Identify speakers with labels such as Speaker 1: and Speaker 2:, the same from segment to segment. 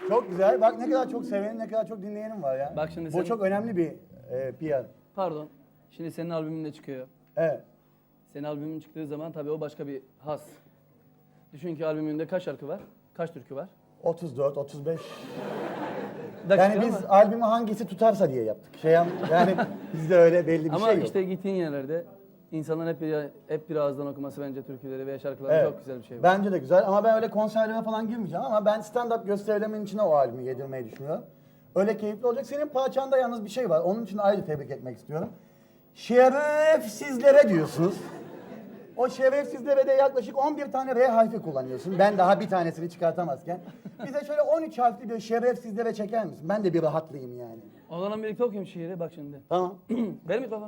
Speaker 1: Çok güzel. Bak ne kadar çok sevenim, ne kadar çok dinleyenim var ya.
Speaker 2: Bak şimdi
Speaker 1: Bu
Speaker 2: senin-
Speaker 1: çok önemli bir PR.
Speaker 2: Pardon. Şimdi senin albümün de çıkıyor.
Speaker 1: Evet.
Speaker 2: Senin albümün çıktığı zaman tabii o başka bir has. Düşün ki albümünde kaç şarkı var? Kaç türkü var?
Speaker 1: 34, 35.
Speaker 2: Dakika
Speaker 1: Yani biz
Speaker 2: ama-
Speaker 1: albümü hangisi tutarsa diye yaptık. Yani bizde öyle belli bir
Speaker 2: Ama
Speaker 1: şey yok.
Speaker 2: işte gittiğin yerlerde insanların hep bir ağızdan okuması bence türküleri veya şarkıları
Speaker 1: Evet.
Speaker 2: çok güzel bir şey.
Speaker 1: Bence de güzel ama ben öyle konserlere falan girmeyeceğim ama ben stand-up gösterilerimin içine o albümü yedirmeyi düşünüyorum. Öyle keyifli olacak. Senin parçanda yalnız bir şey var. Onun için ayrıca tebrik etmek istiyorum. Şerefsizlere diyorsunuz. O şerefsizlere de yaklaşık 11 tane R harfi kullanıyorsun. Ben daha bir tanesini çıkartamazken. Bize şöyle 13 harfli bir şerefsizlere çeker misin? Ben de bir rahatlayayım yani.
Speaker 2: O zaman birlikte okuyayım şiiri bak şimdi.
Speaker 1: Tamam.
Speaker 2: Ver mikrofonu.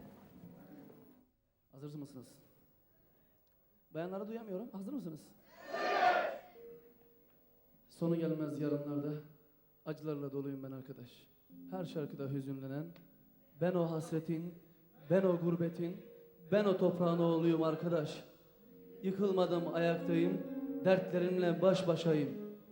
Speaker 2: Hazır mısınız? Bayanları duyamıyorum. Hazır mısınız? Sonu gelmez yarınlarda acılarla doluyum ben arkadaş. Her şarkıda hüzünlenen ben o hasretin, ben o gurbetin, ben o toprağın oğluyum arkadaş. Yıkılmadım ayaktayım, dertlerimle baş başayım.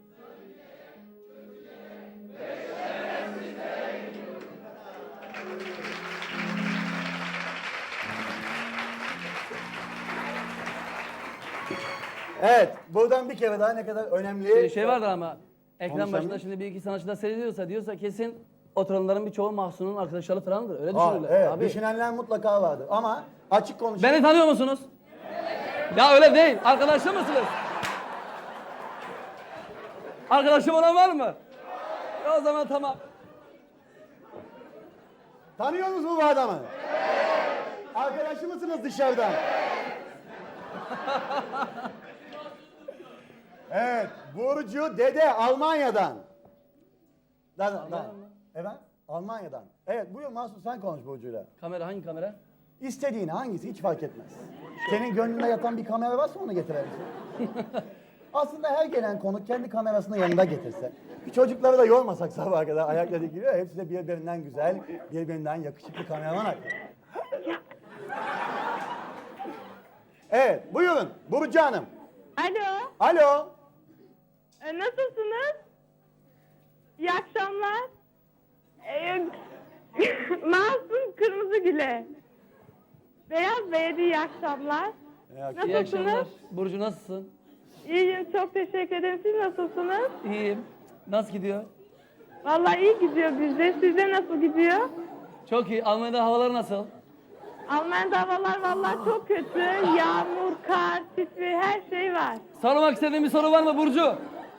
Speaker 1: Evet, buradan bir kere daha ne kadar önemli...
Speaker 2: Şey vardır ama ekran
Speaker 1: Konuşalım.
Speaker 2: başında şimdi bir iki sanatçılar seyrediyorsa diyorsa kesin oturanların birçoğu Mahsun'un arkadaşları falandır. Öyle
Speaker 1: Aa,
Speaker 2: düşünürler.
Speaker 1: evet,
Speaker 2: Abi.
Speaker 1: düşünenler mutlaka vardır ama açık konuşayım.
Speaker 2: Beni tanıyor musunuz? Ya öyle değil. Arkadaşı mısınız? Arkadaşım olan var mı? O zaman tamam.
Speaker 1: Tanıyor musunuz bu adamı? Arkadaşı mısınız dışarıdan? Evet, Burcu Dede Almanya'dan. Evet, Almanya'dan. Evet, buyur Mahsun sen konuş Burcu'yla.
Speaker 2: Kamera hangi kamera?
Speaker 1: İstediğin hangisi hiç fark etmez. Senin gönlünde yatan bir kamera varsa onu getirebilirsin. Aslında her gelen konuk kendi kamerasını yanında getirse. Çocukları da yormasak sabaha kadar ayakla dikiliyor. Hepsi de birbirinden güzel, birbirinden yakışıklı kameraman. Evet, buyurun Burcu Hanım.
Speaker 3: Alo,
Speaker 1: Alo.
Speaker 3: nasılsınız? İyi akşamlar. Masum Kırmızıgül'e. Beyaz Bey'e iyi akşamlar.
Speaker 2: İyi
Speaker 3: Nasılsınız?
Speaker 2: akşamlar. Burcu nasılsın?
Speaker 3: İyiyim, çok teşekkür ederim. Siz nasılsınız?
Speaker 2: İyiyim. Nasıl gidiyor?
Speaker 3: Vallahi iyi gidiyor bizde. Sizde nasıl gidiyor?
Speaker 2: Çok iyi. Almanya'da havalar nasıl?
Speaker 3: Almanya'da havalar vallahi çok kötü. Yağmur, kar, tipi, her şey var.
Speaker 2: Sormak istediğin bir soru var mı Burcu?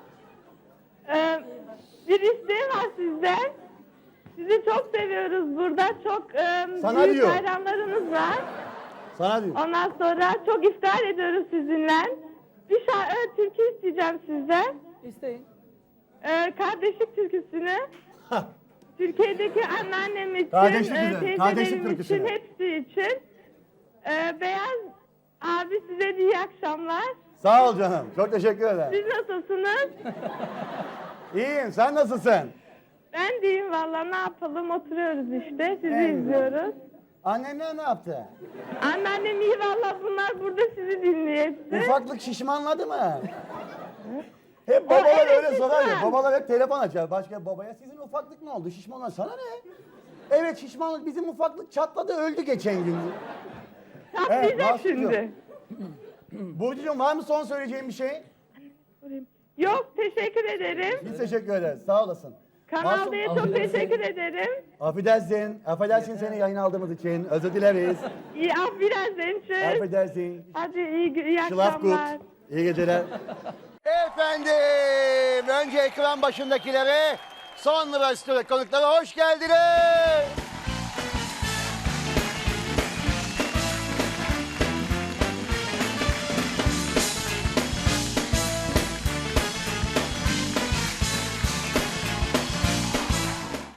Speaker 3: Bir isteğim var sizden. Sizi çok seviyoruz burada. Çok
Speaker 1: Sana
Speaker 3: büyük
Speaker 1: diyor.
Speaker 3: hayranlarınız var.
Speaker 1: Sana diyor.
Speaker 3: Ondan sonra çok iftihar ediyoruz sizinle. Bir türkü isteyeceğim sizden.
Speaker 2: İsteyin.
Speaker 3: Kardeşlik türküsünü. Türkiye'deki anneannem için,
Speaker 1: Kardeşlik güzel, kardeşlik
Speaker 3: teyzelerim
Speaker 1: türküsünü.
Speaker 3: için, hepsi için. Beyaz abi size de iyi akşamlar.
Speaker 1: Sağ ol canım. Çok teşekkür ederim.
Speaker 3: Siz nasılsınız?
Speaker 1: İyiyim. Sen nasılsın?
Speaker 3: Ben deyim valla ne yapalım oturuyoruz işte sizi
Speaker 1: En güzel.
Speaker 3: izliyoruz.
Speaker 1: Annenler ne yaptı?
Speaker 3: Anneannem iyi valla bunlar burada sizi dinliyor hepsi.
Speaker 1: Ufaklık şişmanladı mı? Hep babalar
Speaker 3: evet,
Speaker 1: öyle sorar ya.
Speaker 3: şişman.
Speaker 1: Babalar hep telefon açar başka bir babaya. Sizin ufaklık ne oldu? Şişmanlar sana ne? Evet şişmanlık bizim ufaklık çatladı öldü geçen gün.
Speaker 3: Çatlayacak
Speaker 1: Mahsuncuğum.
Speaker 3: şimdi.
Speaker 1: Burcucuğum var mı son söyleyeceğin bir şey?
Speaker 3: Yok teşekkür ederim.
Speaker 1: Biz teşekkür ederiz. Sağ olasın.
Speaker 3: Kanal D'ye çok
Speaker 2: affedersin.
Speaker 3: teşekkür ederim.
Speaker 1: Affedersin seni yayın aldığımız için. Özür dileriz.
Speaker 3: İyi af biraz tschüss.
Speaker 1: Affedersin.
Speaker 3: Hadi iyi
Speaker 1: Schlaf gut.
Speaker 3: akşamlar.
Speaker 1: İyi geceler. Efendim, önce ekran başındakilere, sonra stüdyo konuklara hoş geldiniz.